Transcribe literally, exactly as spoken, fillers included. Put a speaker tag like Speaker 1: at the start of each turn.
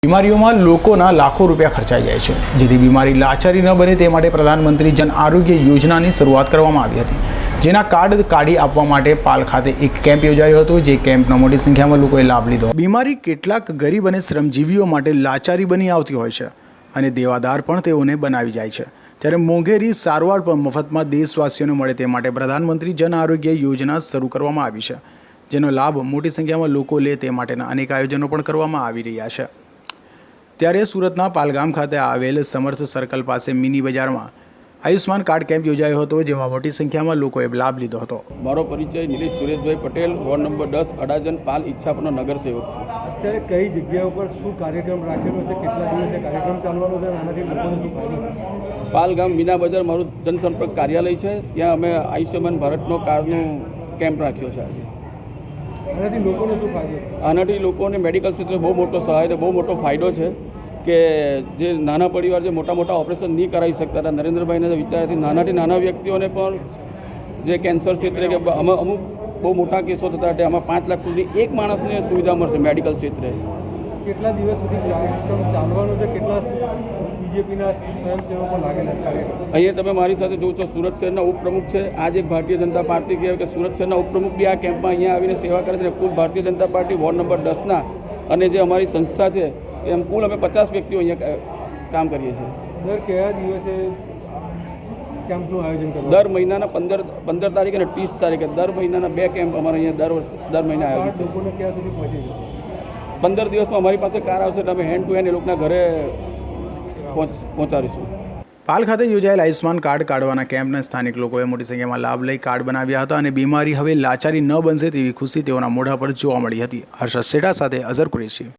Speaker 1: બીમારીઓમાં લોકોના લાખો રૂપિયા ખર્ચાઈ જાય છે, જેથી બીમારી લાચારી ન બને તે માટે પ્રધાનમંત્રી જન આરોગ્ય યોજનાની શરૂઆત કરવામાં આવી હતી, જેના કાર્ડ કાઢી આપવા માટે પાલ ખાતે એક કેમ્પ યોજાયો હતો, જે કેમ્પનો મોટી સંખ્યામાં લોકોએ લાભ લીધો. બીમારી કેટલાક ગરીબ અને શ્રમજીવીઓ માટે લાચારી બની આવતી હોય છે અને દેવાદાર પણ તેઓને બનાવી જાય છે, ત્યારે મોંઘેરી સારવાર પણ મફતમાં દેશવાસીઓને મળે તે માટે પ્રધાનમંત્રી જન આરોગ્ય યોજના શરૂ કરવામાં આવી છે, જેનો લાભ મોટી સંખ્યામાં લોકો લે તે માટેના અનેક આયોજનો પણ કરવામાં આવી રહ્યા છે. ત્યારે સુરતના પાલગામ ખાતે આવેલ સમર્થ સર્કલ પાસે મિની બજારમાં આયુષ્માન કાર્ડ કેમ્પ યોજાયો હતો, જેમાં મોટી સંખ્યામાં લોકોએ લાભ લીધો હતો.
Speaker 2: મારો પરિચય નિલેશ સુરેશભાઈ પટેલ, વોર્ડ નંબર દસ, અડાજણ, પાલ ઈચ્છાપુરનો નગરસેવક છું.
Speaker 3: અત્યારે કઈ જગ્યા ઉપર શું કાર્યક્રમ રાખેલો છે, કેટલા દિવસે કાર્યક્રમ ચાલવાનો છે, આનાથી લોકોને શું ફાયદો?
Speaker 2: પાલગામ મીના બજાર મારું જનસંપર્ક કાર્યાલય છે, ત્યાં અમે આયુષ્યમાન ભારતનો કાર્ડનો કેમ્પ રાખ્યો છે.
Speaker 3: આનાથી લોકોને શું ફાયદો?
Speaker 2: આનાથી લોકોને મેડિકલ ક્ષેત્રે બહુ મોટો સહાય બહુ મોટો ફાયદો છે કે જે નાના પરિવાર જે મોટા મોટા ઓપરેશન નહીં કરાવી શકતા હતા, નરેન્દ્રભાઈના વિચારથી નાનાથી નાના વ્યક્તિઓને પણ જે કેન્સર ક્ષેત્રે કે અમુક બહુ મોટા કેસો થતા હતા, આમાં પાંચ લાખ સુધી એક માણસને સુવિધા મળશે મેડિકલ ક્ષેત્રે.
Speaker 3: કેટલા દિવસ સુધી કાર્યક્રમ ચાલવાનો છે? કેટલા બીજેપીના સ્વયંસેવકો લાગેલા કાર્યક્રમ?
Speaker 2: અહીંયા તમે મારી સાથે જોઉં છો, સુરત શહેરના ઉપપ્રમુખ છે, આજ એક ભારતીય જનતા પાર્ટી કહેવાય કે સુરત શહેરના ઉપપ્રમુખ બી આ કેમ્પમાં અહીંયા આવીને સેવા કરે છે. કુલ ભારતીય જનતા પાર્ટી વોર્ડ નંબર દસના અને જે અમારી સંસ્થા છે એમ કુલ અમે પચાસ વ્યક્તિઓ અહીંયા કામ કરીએ છીએ.
Speaker 3: દર કયા દિવસે કેમ્પનું આયોજન કરવું?
Speaker 2: દર મહિનાના પંદર પંદર તારીખે અને ત્રીસ તારીખે દર મહિનાના બે કેમ્પ અમારે અહીંયા દર વર્ષ દર મહિને આયોજિત થાય.
Speaker 3: લોકોને ક્યાં સુધી પહોંચે છે?
Speaker 2: પંદર દિવસમાં અમારી પાસે કાર આવશે એટલે અમે હેન્ડ ટુ હેન્ડ એ લોકોના ઘરે પહોંચાડીશું.
Speaker 1: પાલ ખાતે યોજાયેલ આયુષ્માન કાર્ડ કાઢવાના કેમ્પના સ્થાનિક લોકોએ મોટી સંખ્યામાં લાભ લઈ કાર્ડ બનાવ્યા હતા અને બીમારી હવે લાચારી ન બનશે તેવી ખુશી તેઓના મોઢા પર જોવા મળી હતી. હર્ષદ સેઠા સાથે અઝર કુરેશી.